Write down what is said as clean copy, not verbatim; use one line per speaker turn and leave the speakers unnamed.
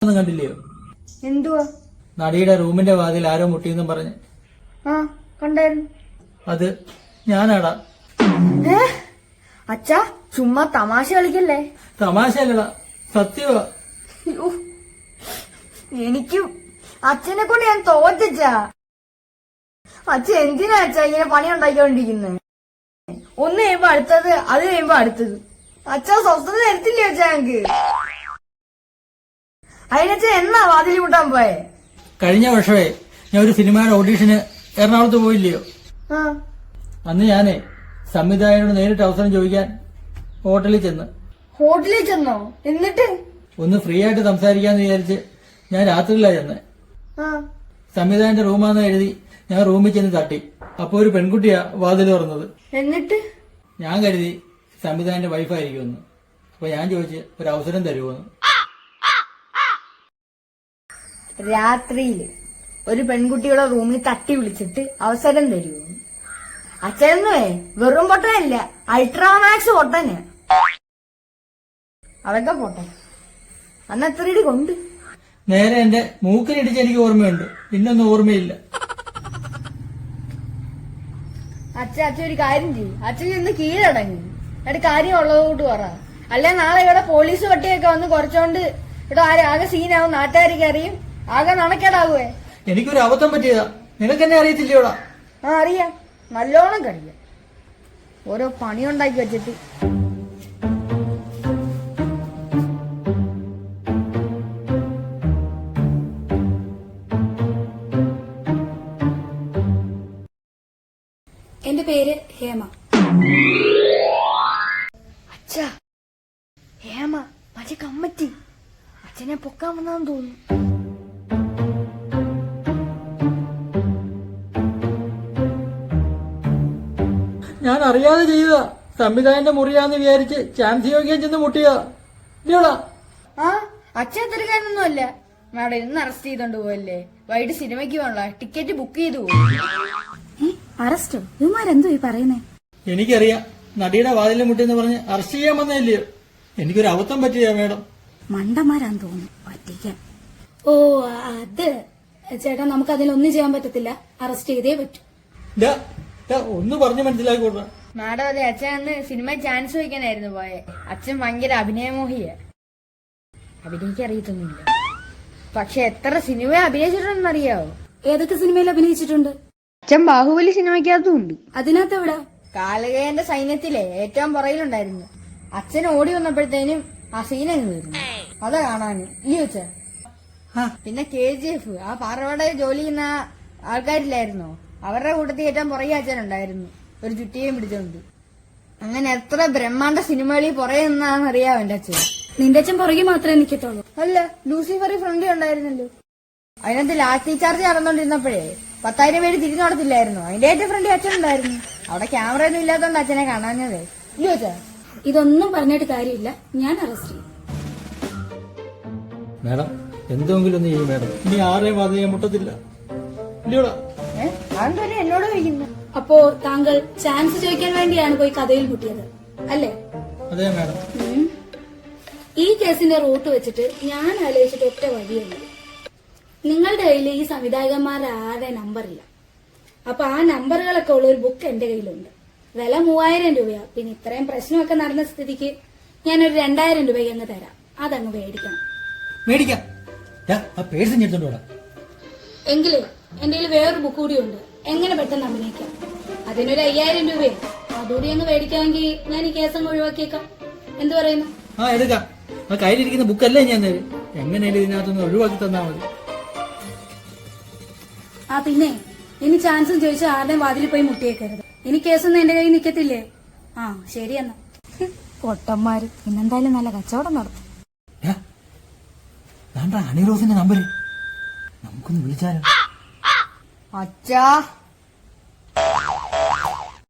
ഒന്നും കണ്ടില്ലയോ?
എന്തുവാ?
നടിയുടെ റൂമിന്റെ വാതിൽ ആരോ മുട്ടിയെന്നും പറഞ്ഞ്.
ആ കണ്ടായിരുന്നു.
അത് ഞാനാടാ.
അച്ഛാ ചുമ്മാ തമാശ കളിക്കല്ലേ.
തമാശയല്ലടാ, സത്യമാ.
എനിക്കും അച്ഛനെ കൊണ്ട് ഞാൻ തോറ്റച്ചാ. അച്ഛൻ എന്തിനാ അച്ഛാ ഇങ്ങനെ പണി ഉണ്ടാക്കിക്കൊണ്ടിരിക്കുന്നത്? ഒന്ന് കഴിയുമ്പോ അടുത്തത്, അത് കഴിയുമ്പോ അടുത്തത്. അച്ഛാ സ്വസ്ഥത തരത്തില്ലേ അച്ഛാ ഞങ്ങക്ക്? അതിനച്ഛ എന്നാ വാതിൽ മുട്ടാൻ പോയെ?
കഴിഞ്ഞ വർഷമേ ഞാൻ ഒരു സിനിമയുടെ ഓഡീഷന് എറണാകുളത്ത് പോയില്ലയോ? അന്ന് ഞാനേ സംവിധായകനോട് നേരിട്ട് അവസരം ചോദിക്കാൻ ഹോട്ടലിൽ ചെന്ന്.
ഹോട്ടലിൽ ചെന്നോ? എന്നിട്ട്
ഒന്ന് ഫ്രീ ആയിട്ട് സംസാരിക്കാന്ന് വിചാരിച്ച് ഞാൻ രാത്രിയിലാ ചെന്ന്. സംവിധായകന്റെ റൂമാന്ന് എഴുതി ഞാൻ റൂമിൽ ചെന്ന് തട്ടി. അപ്പൊ ഒരു പെൺകുട്ടിയാ വാതിൽ തുറന്നത്.
എന്നിട്ട്
ഞാൻ കരുതി സംവിധായകന്റെ വൈഫായിരിക്കുമെന്ന്. അപ്പൊ ഞാൻ ചോദിച്ച് ഒരു അവസരം തരുമോന്ന്.
രാത്രിയില് ഒരു പെൺകുട്ടിയുടെ റൂമിൽ തട്ടി വിളിച്ചിട്ട് അവസരം തരുമോ? അച്ഛനേ വെറും പൊട്ടനല്ല, അൾട്രാമാക്സ് പൊട്ടന്. അതൊക്കെ പോട്ടെ, അന്ന് എത്ര ഇടി കൊണ്ട്?
നേരെ എന്റെ മൂക്കിനിടിച്ച് എനിക്ക് ഓർമ്മയുണ്ട്, പിന്നൊന്നും ഓർമ്മയില്ല.
അച്ഛൻ ഒരു കാര്യം ചെയ്യും, അച്ഛൻ ഇന്ന് കീഴടങ്ങി എന്നിട്ട് കാര്യം ഉള്ളതോട്ട് പറ. അല്ലെ നാളെ ഇവിടെ പോലീസ് പട്ടിയൊക്കെ വന്ന് കുറച്ചോണ്ട് ഇവിടെ ആകെ സീനാവും, നാട്ടുകാർക്ക് അറിയും, ആകെ നടക്കേടാവുവേ.
എനിക്കൊരു അബദ്ധം പറ്റിയതാ, നിനക്ക് എന്നെ അറിയത്തില്ലയോടാ?
അറിയാം, നല്ലോണം കഴിയാം. ഓരോ പണിയുണ്ടാക്കി വെച്ചിട്ട്.
എന്റെ പേര് ഹേമ.
അച്ഛാ ഹേമ മറ്റേ കമ്മറ്റി അച്ഛനെ പൊക്കാൻ വന്നാന്ന് തോന്നുന്നു.
ഞാൻ അറിയാതെ ചെയ്തതാ. സംവിധായകന്റെ മുറിയാന്ന് വിചാരിച്ച് ചാൻസ് ചോദിക്കാൻ ചെന്ന് മുട്ടിയതാ. ഇല്ലയോടാ?
ആ അച്ഛൻ തിരക്കാരനൊന്നും അല്ല. മാഡം ഇന്ന് അറസ്റ്റ് ചെയ്തോണ്ട് പോയല്ലേ, വൈകിട്ട് സിനിമയ്ക്ക് പോകണ്ട, ടിക്കറ്റ് ബുക്ക് ചെയ്തു പോയി.
അറസ്റ്റോ? ഇവന്മാരെന്തോ ഈ പറയുന്നേ?
എനിക്കറിയാം, നടിയുടെ വാതിലിൽ മുട്ടിയെന്ന് പറഞ്ഞ് അറസ്റ്റ് ചെയ്യാൻ വന്നതല്ലയോ. എനിക്കൊരു അബദ്ധം പറ്റിയാ മേഡം.
മണ്ടന്മാരാന്ന് തോന്നുന്നു പറ്റിക്കാൻ. ഓ അത് ചേട്ടാ, നമുക്ക് അതിലൊന്നും ചെയ്യാൻ പറ്റത്തില്ല, അറസ്റ്റ് ചെയ്തേ പറ്റൂ.
ഒന്ന് പറഞ്ഞു മനസ്സിലാക്കിക്കോട്ടെ.
മാഡം അതെ, അച്ഛൻ അന്ന് സിനിമ ചാൻസ് ചോദിക്കാനായിരുന്നു പോയെ. അച്ഛൻ ഭയങ്കര അഭിനയമോഹിയ, അഭിനയിക്കാൻ അറിയത്തൊന്നുമില്ല. പക്ഷെ എത്ര സിനിമ അഭിനയിച്ചിട്ടുണ്ടെന്നറിയാവോ?
ഏതൊക്കെ സിനിമയിൽ അഭിനയിച്ചിട്ടുണ്ട്?
അച്ഛൻ ബാഹുബലി സിനിമയ്ക്കകത്തും ഉണ്ട്.
അതിനകത്ത് എവിടെ?
കാലകേയന്റെ സൈന്യത്തിലെ ഏറ്റവും പുറയിലുണ്ടായിരുന്നു. അച്ഛൻ ഓടി വന്നപ്പോഴത്തേനും ആ സീനങ്ങ് തീർന്നു. അതാ കാണാന് ഇല്ലയോ അച്ഛാ? പിന്നെ KGF, ആ പാറവട ജോലി ചെയ്യുന്ന ആൾക്കാരില്ലായിരുന്നോ, അവരുടെ കൂട്ടത്തിൽ ഏറ്റവും പുറകെ അച്ഛനുണ്ടായിരുന്നു, ഒരു ചുറ്റിയും പിടിച്ചോണ്ട്. അങ്ങനെ എത്ര ബ്രഹ്മാണ്ഡ സിനിമകളിൽ പുറകെ നിന്നാന്ന് അറിയാവോ എന്റെ അച്ഛൻ?
നിന്റെ അച്ഛൻ പുറകെ മാത്രമേ നിൽക്കത്തുള്ളൂ.
അല്ല, ലൂസിഫറി ഫ്രണ്ട് ഉണ്ടായിരുന്നല്ലോ. അതിനകത്ത് ലാത്തി ചാർജ് നടന്നോണ്ടിരുന്നപ്പോഴേ 10,000 പേര് തിരിഞ്ഞു നടത്തില്ലായിരുന്നു, അതിന്റെ ഏറ്റവും ഫ്രണ്ട് അച്ഛൻ ഉണ്ടായിരുന്നു. അവിടെ ക്യാമറ ഒന്നും ഇല്ലാത്തോണ്ട് അച്ഛനെ കാണാഞ്ഞതേ. ഇല്ലയോ അച്ഛാ?
ഇതൊന്നും പറഞ്ഞിട്ട് കാര്യമില്ല, ഞാൻ അറസ്റ്റ് ചെയ്യും.
മേഡം എന്തെങ്കിലും ഒന്ന് ചെയ്യും മേഡം, ഇനി ആരെയും വാതിൽ മുട്ടത്തില്ല. ഇല്ലയോടാ?
അതെന്തോലും എന്നോട് ചോദിക്കുന്നു.
അപ്പോ താങ്കൾ ചാൻസ് ചോദിക്കാൻ വേണ്ടിയാണ് പോയി കഥയിൽ മുട്ടിയത് അല്ലേ?
അതെ മേഡം.
ഈ കേസിന്റെ റൂട്ട് വെച്ചിട്ട് ഞാൻ ആലോചിച്ചിട്ട് ഒറ്റ വഴിയുള്ളൂ. നിങ്ങളുടെ കയ്യിൽ ഈ സംവിധായകന്മാരുടെ ആരുടെ നമ്പറില്ല. അപ്പൊ ആ നമ്പറുകളൊക്കെ ഉള്ള ഒരു ബുക്ക് എന്റെ കയ്യിലുണ്ട്. വില 3000 രൂപയാ. പിന്നെ ഇത്രയും പ്രശ്നമൊക്കെ നടന്ന സ്ഥിതിക്ക് ഞാനൊരു 2000 രൂപയ്ക്ക് അങ്ങ് തരാം. അതങ്ങ് മേടിക്കണം.
മേടിക്കാം.
എങ്കിലേ എന്റെ കയ്യിൽ വേറൊരു ബുക്ക് കൂടി ഉണ്ട്, എങ്ങനെ പെട്ടെന്ന് അഭിനയിക്കാം. അതിനൊരു 5000 രൂപയോ അതുകൂടി അങ്ങ് മേടിക്കാമെങ്കിൽ ഞാൻ ഈ കേസ് അങ്ങ് ഒഴിവാക്കിയേക്കാം. എന്ത് പറയുന്നു?
എടുക്കാം. ആ കയ്യിലിരിക്കുന്ന ബുക്കല്ലേ ഞാൻ തരും. എങ്ങനെയാലും ഇതിനകത്തൊന്ന് ഒഴിവാക്കി തന്നാ മതി.
പിന്നെ ഇനി ചാൻസും ചോദിച്ചാൽ ആരുടെയും വാതിൽ പോയി മുട്ടിയേക്കരുത്. ഇനി കേസൊന്നും എന്റെ കയ്യിൽ നിൽക്കത്തില്ലേ? ശരി എന്നാ. പൊട്ടന്മാര് പിന്നെന്തായാലും നല്ല കച്ചവടം നടത്തും.
ഹണി റോസിന്റെ നമ്പര് നമുക്കൊന്ന് വിളിച്ചാലോ?
അച്ഛാ